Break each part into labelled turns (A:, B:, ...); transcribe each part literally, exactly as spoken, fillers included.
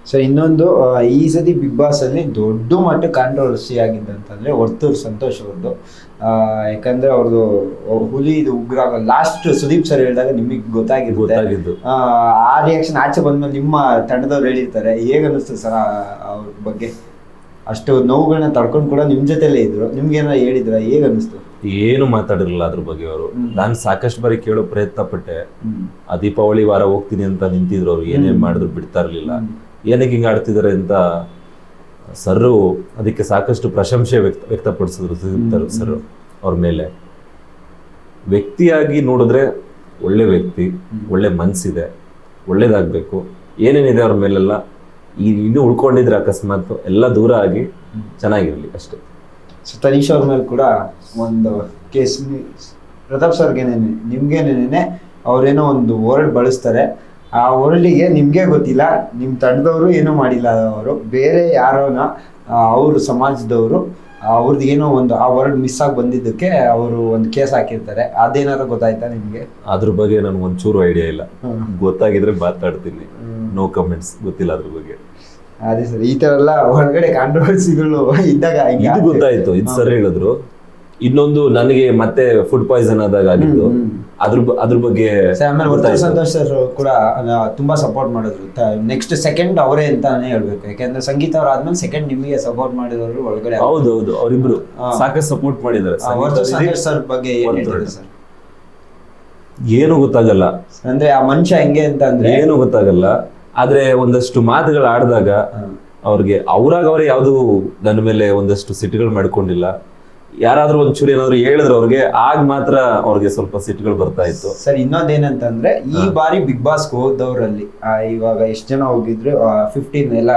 A: So ಇನ್ನೊಂದು ಆ, ಈ ಸತಿ ಬಿಗ್ ಬಾಸ್ ಅಲ್ಲಿ ದೊಡ್ಡ ಮಟ್ಟ ಕಾಂಟ್ರವರ್ಸಿ ಆಗಿದ್ದಂತಂದ್ರೆ ವರ್ತೂರ್ ಸಂತೋಷ್ ಅವ್ರದ್ದು. ಆ, ಯಾಕಂದ್ರೆ ಅವ್ರದ್ದು ಹುಲಿ ಇದು ಉಗ್ರ ಲಾಸ್ಟ್ ಸುದೀಪ್ ಸರ್ ಹೇಳಿದಾಗ ನಿಮಗೆ ಗೊತ್ತಾಗಿರುತ್ತೆ.
B: ಗೊತ್ತಾಗಿದ್ದು
A: ಆ, ಆ ರಿಯಾಕ್ಷನ್ ಆಚೆ ಬಂದ್ಮೇಲೆ ನಿಮ್ಮ ತಂಡದವ್ರು ಹೇಳಿರ್ತಾರೆ, ಹೇಗ ಅನಿಸ್ತು ಸರ್ ಅವ್ರ ಬಗ್ಗೆ? ಅಷ್ಟು ನೋವುಗಳನ್ನ ತಡ್ಕೊಂಡು ಕೂಡ ನಿಮ್ ಜೊತೆಲೇ ಇದ್ರು, ನಿಮ್ಗೇನಾರ ಹೇಳಿದ್ರ, ಹೇಗ ಅನಿಸ್ತು?
B: ಏನು ಮಾತಾಡಿರಲಿಲ್ಲ ಅದ್ರ ಬಗ್ಗೆ ಅವರು.
A: ಹ್ಮ್.
B: ನಾನು ಸಾಕಷ್ಟು ಬಾರಿ ಕೇಳೋ ಪ್ರಯತ್ನ ಪಟ್ಟೆ.
A: ಹ್ಮ್.
B: ಆ ದೀಪಾವಳಿ ವಾರ ಹೋಗ್ತೀನಿ ಅಂತ ನಿಂತಿದ್ರು ಅವ್ರು, ಏನೇನ್ ಮಾಡಿದ್ರು ಬಿಡ್ತಾ ಇರ್ಲಿಲ್ಲ.
A: ಹ್ಮ್.
B: ಏನಕ್ಕೆ ಹಿಂಗ ಆಡ್ತಿದ್ದಾರೆ ಅಂತ ಸರ್ರು ಅದಕ್ಕೆ ಸಾಕಷ್ಟು ಪ್ರಶಂಸೆ ವ್ಯಕ್ತ ವ್ಯಕ್ತಪಡಿಸಿದ್ರು ಸುದೀಪ್ ಸರ್ ಅವ್ರ ಮೇಲೆ. ವ್ಯಕ್ತಿಯಾಗಿ ನೋಡಿದ್ರೆ ಒಳ್ಳೆ ವ್ಯಕ್ತಿ, ಒಳ್ಳೆ ಮನ್ಸಿದೆ, ಒಳ್ಳೇದಾಗ್ಬೇಕು. ಏನೇನಿದೆ ಅವ್ರ ಮೇಲೆಲ್ಲ ಈ ಇನ್ನೂ ಉಳ್ಕೊಂಡಿದ್ರೆ ಅಕಸ್ಮಾತ್ ಎಲ್ಲ ದೂರ ಆಗಿ ಚೆನ್ನಾಗಿರ್ಲಿ ಅಷ್ಟೇ.
A: ಸೊ ತನೀಶ್ ಅವ್ರ ಮೇಲೆ ಕೂಡ ಒಂದು ಕೇಸ್, ಪ್ರತಾಪ್ ಸರ್ಗೇನೇನೆ ನಿಮ್ಗೇನೇನೆ ಅವ್ರೇನೋ ಒಂದು ವರ್ಡ್ ಬಳಸ್ತಾರೆ. ಆ ವರ್ಲ್ಡಿಗೆ ನಿಮ್ಗೆ ಗೊತ್ತಿಲ್ಲ, ನಿಮ್ ತಂಡದವರು ಏನೂ ಮಾಡಿಲ್ಲ, ಅವರು ಬೇರೆ ಯಾರೋನ ಅವ್ರ ಸಮಾಜದವರು ಅವ್ರದ್ದು ಏನೋ ಒಂದು ಆ ವರ್ಡ್ ಮಿಸ್ ಆಗಿ ಬಂದಿದ್ದಕ್ಕೆ ಅವರು ಒಂದು ಕೇಸ್ ಹಾಕಿರ್ತಾರೆ. ಅದೇನಾದ್ರು ಗೊತ್ತಾಯ್ತಾ ನಿಮ್ಗೆ?
B: ಅದ್ರ ಬಗ್ಗೆ ನನ್ಗೆ ಒಂಚೂರು ಐಡಿಯಾ ಇಲ್ಲ. ಗೊತ್ತಾಗಿದ್ರೆ ಮಾತಾಡ್ತೀನಿ. ನೋ ಕಮೆಂಟ್ಸ್, ಗೊತ್ತಿಲ್ಲ ಅದ್ರ ಬಗ್ಗೆ.
A: ಅದೇ ಸರ್, ಈ ತರ ಎಲ್ಲ ಹೊರಗಡೆ ಕಾಂಟ್ರವರ್ಸಿಗಳು ಇದ್ದಾಗ ಹಿಂಗೆ
B: ಇದು ಗೊತ್ತಾಯ್ತು, ಇದು ಸರ್ ಹೇಳಿದ್ರು. ಇನ್ನೊಂದು ನನಗೆ ಮತ್ತೆ ಫುಡ್ ಪಾಯ್ಸನ್ ಆದಾಗ ಆಗಿದ್ದು, ಅದ್ರ ಬ- ಅದ್ರ ಬಗ್ಗೆ
A: ಸರ್, ಆಮೇಲೆ ವರ್ತೂರ್
B: ಗೊತ್ತಾಯ್ತು.
A: ಸಂತೋಷ್ ಸರ್ ಕೂಡ ಆ, ತುಂಬಾ ಸಪೋರ್ಟ್ ಮಾಡಿದ್ರು. ನೆಕ್ಸ್ಟ್ ಸೆಕೆಂಡ್ ಅವರೇ ಅಂತಾನೆ ಹೇಳ್ಬೇಕು, ಯಾಕಂದ್ರೆ ಸಂಗೀತ ಅವ್ರ ಆದ್ಮೇಲೆ ಸೆಕೆಂಡ್ ನಿಮಗೆ ಸಪೋರ್ಟ್ ಮಾಡಿದವರು ಒಳಗಡೆ.
B: ಹೌದು ಹೌದು, ಅವರಿಬ್ರು
A: ಹಾ.
B: ಸಾಕಷ್ಟು ಸಪೋರ್ಟ್ ಮಾಡಿದ್ದಾರೆ.
A: ಆ, ವರ್ತೂರ್ ಸಂತೋಷ್ ಸರ್ ಬಗ್ಗೆ ಏನ್
B: ವರ್ತೂರ್.
A: ಹೇಳ್ತಾರೆ ಸರ್?
B: ಏನು ಗೊತ್ತಾಗಲ್ಲ,
A: ಅಂದ್ರೆ ಆ ಮನುಷ್ಯ ಹೆಂಗೆ ಅಂತ ಅಂದ್ರೆ
B: ಏನು ಗೊತ್ತಾಗಲ್ಲ. ಆದ್ರೆ ಒಂದಷ್ಟು ಮಾತುಗಳು ಆಡಿದಾಗ ಅವ್ರಿಗೆ ಅವ್ರಾಗ ಅವರೇ ಯಾವ್ದು ನನ್ನ ಮೇಲೆ ಒಂದಷ್ಟು ಸಿಟ್ಟುಗಳು ಮಾಡ್ಕೊಂಡಿಲ್ಲ. ಯಾರಾದ್ರೂ ಒಂಚೂರು ಏನಾದ್ರು ಹೇಳಿದ್ರೆ ಅವ್ರಿಗೆ ಆಗ ಮಾತ್ರ ಅವ್ರಿಗೆ ಸ್ವಲ್ಪ ಸಿಟ್ಟುಗಳು ಬರ್ತಾ ಇತ್ತು.
A: ಸರ್, ಇನ್ನೊಂದೇನಂತಂದ್ರೆ ಈ ಬಾರಿ ಬಿಗ್ ಬಾಸ್ ಹೋದವರಲ್ಲಿ ಇವಾಗ ಎಷ್ಟು ಜನ ಹೋಗಿದ್ರು? ಫಿಫ್ಟೀನ್ ಎಲ್ಲ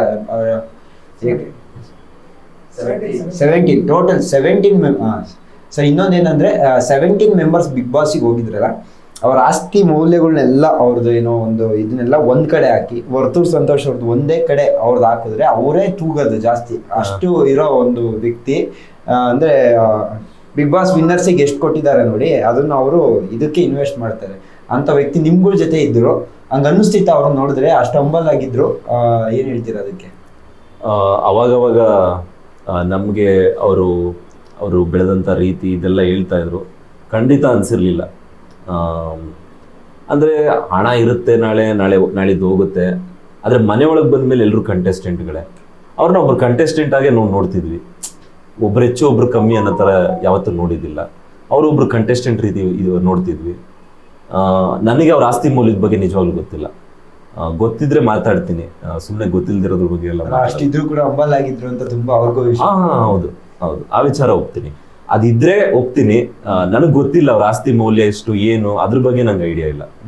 A: ಸೆವೆಂಟೀನ್ ಟೋಟಲ್ ಸೆವೆಂಟೀನ್ ಸರ್, ಇನ್ನೊಂದೇನಂದ್ರೆ ಸೆವೆಂಟೀನ್ ಮೆಂಬರ್ಸ್ ಬಿಗ್ ಬಾಸ್ಗೆ ಹೋಗಿದ್ರಲ್ಲ, ಅವ್ರ ಆಸ್ತಿ ಮೌಲ್ಯಗಳನ್ನೆಲ್ಲ ಅವ್ರದ್ದು ಏನೋ ಒಂದು ಇದನ್ನೆಲ್ಲ ಒಂದ್ ಕಡೆ ಹಾಕಿ ವರ್ತೂರ್ ಸಂತೋಷ್ ಅವ್ರದ್ದು ಒಂದೇ ಕಡೆ ಅವ್ರದ್ದು ಹಾಕಿದ್ರೆ ಅವರೇ ತೂಗೋದು ಜಾಸ್ತಿ, ಅಷ್ಟು ಇರೋ ಒಂದು ವ್ಯಕ್ತಿ. ಆ, ಅಂದ್ರೆ ಬಿಗ್ ಬಾಸ್ ವಿನ್ನರ್ಸಿಗೆ ಎಷ್ಟು ಕೊಟ್ಟಿದ್ದಾರೆ ನೋಡಿ, ಅದನ್ನ ಅವರು ಇದಕ್ಕೆ ಇನ್ವೆಸ್ಟ್ ಮಾಡ್ತಾರೆ ಅಂತ ವ್ಯಕ್ತಿ ನಿಮ್ಗಳ ಜೊತೆ ಇದ್ರು. ಹಂಗ ಅನ್ನಿಸ್ತಿತ್ತು ಅವ್ರನ್ನ ನೋಡಿದ್ರೆ, ಅಷ್ಟು ಹಂಬಲ್ ಆಗಿದ್ರು. ಆ, ಏನ್ ಹೇಳ್ತೀರಾ ಅದಕ್ಕೆ?
B: ಆ, ಅವಾಗವಾಗ ಆ, ನಮ್ಗೆ ಅವರು ಅವರು ಬೆಳೆದಂತ ರೀತಿ ಇದೆಲ್ಲ ಹೇಳ್ತಾ ಇದ್ರು. ಖಂಡಿತ ಅನ್ಸಿರ್ಲಿಲ್ಲ. ಅಂದ್ರೆ ಹಣ ಇರುತ್ತೆ, ನಾಳೆ ನಾಳೆ ನಾಳಿದ್ದು ಹೋಗುತ್ತೆ. ಆದ್ರೆ ಮನೆ ಒಳಗೆ ಬಂದ್ಮೇಲೆ ಎಲ್ಲರೂ ಕಂಟೆಸ್ಟೆಂಟ್ಗಳೇ. ಅವ್ರನ್ನ ಒಬ್ರು ಕಂಟೆಸ್ಟೆಂಟ್ ಆಗೇ ನಾವು ನೋಡ್ತಿದ್ವಿ. ಒಬ್ರು ಹೆಚ್ಚು ಒಬ್ರು ಕಮ್ಮಿ ಅನ್ನೋ ಥರ ಯಾವತ್ತೂ ನೋಡಿದ್ದಿಲ್ಲ. ಅವರೊಬ್ರು ಕಂಟೆಸ್ಟೆಂಟ್ ರೀತಿ ಇದು ನೋಡ್ತಿದ್ವಿ. ಆ, ನನಗೆ ಅವ್ರ ಆಸ್ತಿ ಮೌಲ್ಯದ ಬಗ್ಗೆ ನಿಜವಾಗ್ಲೂ ಗೊತ್ತಿಲ್ಲ. ಆ, ಗೊತ್ತಿದ್ರೆ ಮಾತಾಡ್ತೀನಿ, ಸುಮ್ಮನೆ ಗೊತ್ತಿಲ್ದಿರೋದ್ರ ಬಗ್ಗೆ ಎಲ್ಲ ಮಾತಾಡಲ್ಲ.
A: ಅಷ್ಟಿದ್ರು ಕೂಡ ಹಂಬಲ್ ಆಗಿದ್ರು ಅಂತ ತುಂಬಾ ಅವ್ರಿಗೂ ವಿಷಯ.
B: ಹಾ ಹಾ, ಹೌದು ಹೌದು, ಆ ವಿಚಾರ ಒಪ್ತೀನಿ. ಅದಿದ್ರೆ ಒಪ್ತೀನಿ. ನನಗೆ ಗೊತ್ತಿಲ್ಲ ಅವ್ರ ಆಸ್ತಿ ಮೌಲ್ಯ ಎಷ್ಟು ಏನು, ಅದ್ರ ಬಗ್ಗೆ ನಂಗೆ ಐಡಿಯಾ ಇಲ್ಲ.